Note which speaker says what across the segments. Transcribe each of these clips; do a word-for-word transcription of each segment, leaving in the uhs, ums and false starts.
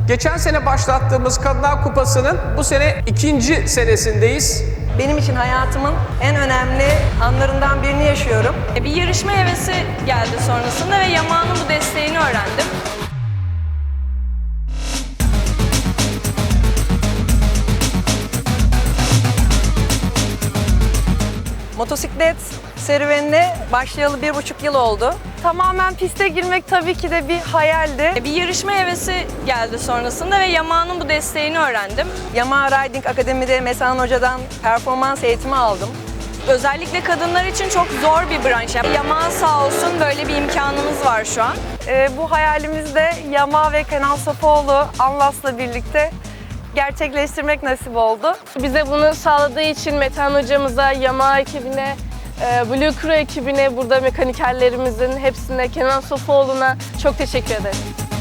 Speaker 1: Geçen sene başlattığımız Kadınlar Kupası'nın bu sene ikinci senesindeyiz.
Speaker 2: Benim için hayatımın en önemli anlarından birini yaşıyorum.
Speaker 3: Bir yarışma hevesi geldi sonrasında ve Yamaha'nın bu desteğini öğrendim.
Speaker 2: Motosiklet serüvenine başlayalı bir buçuk yıl oldu. Tamamen piste girmek tabii ki de bir hayaldi.
Speaker 3: Bir yarışma hevesi geldi sonrasında ve Yamaha'nın bu desteğini öğrendim.
Speaker 2: Yamaha Riding Akademi'de Mesan Hoca'dan performans eğitimi aldım.
Speaker 3: Özellikle kadınlar için çok zor bir branş. Yamaha sağ olsun böyle bir imkanımız var şu an.
Speaker 2: Ee, bu hayalimizde Yamaha ve Kenan Sofuoğlu Anlas'la birlikte gerçekleştirmek nasip oldu.
Speaker 4: Bize bunu sağladığı için Metehan hocamıza, Yamaha ekibine, Blue Crew ekibine, burada mekanikerlerimizin hepsine, Kenan Sofuoğlu'na çok teşekkür ederim.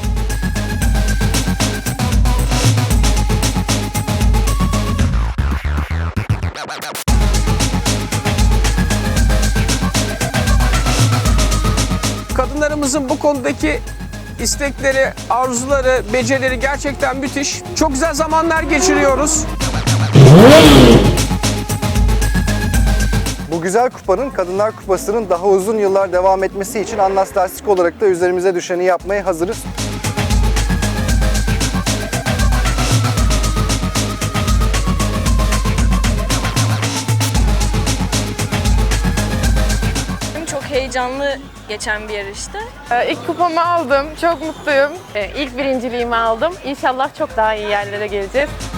Speaker 1: Kadınlarımızın bu konudaki istekleri, arzuları, becerileri gerçekten müthiş. Çok güzel zamanlar geçiriyoruz.
Speaker 5: Bu güzel kupanın, Kadınlar Kupası'nın daha uzun yıllar devam etmesi için Anlas Lastik olarak da üzerimize düşeni yapmaya hazırız.
Speaker 3: Çok heyecanlı geçen bir yarıştı.
Speaker 4: İlk kupamı aldım, çok mutluyum. İlk birinciliğimi aldım. İnşallah çok daha iyi yerlere geleceğiz.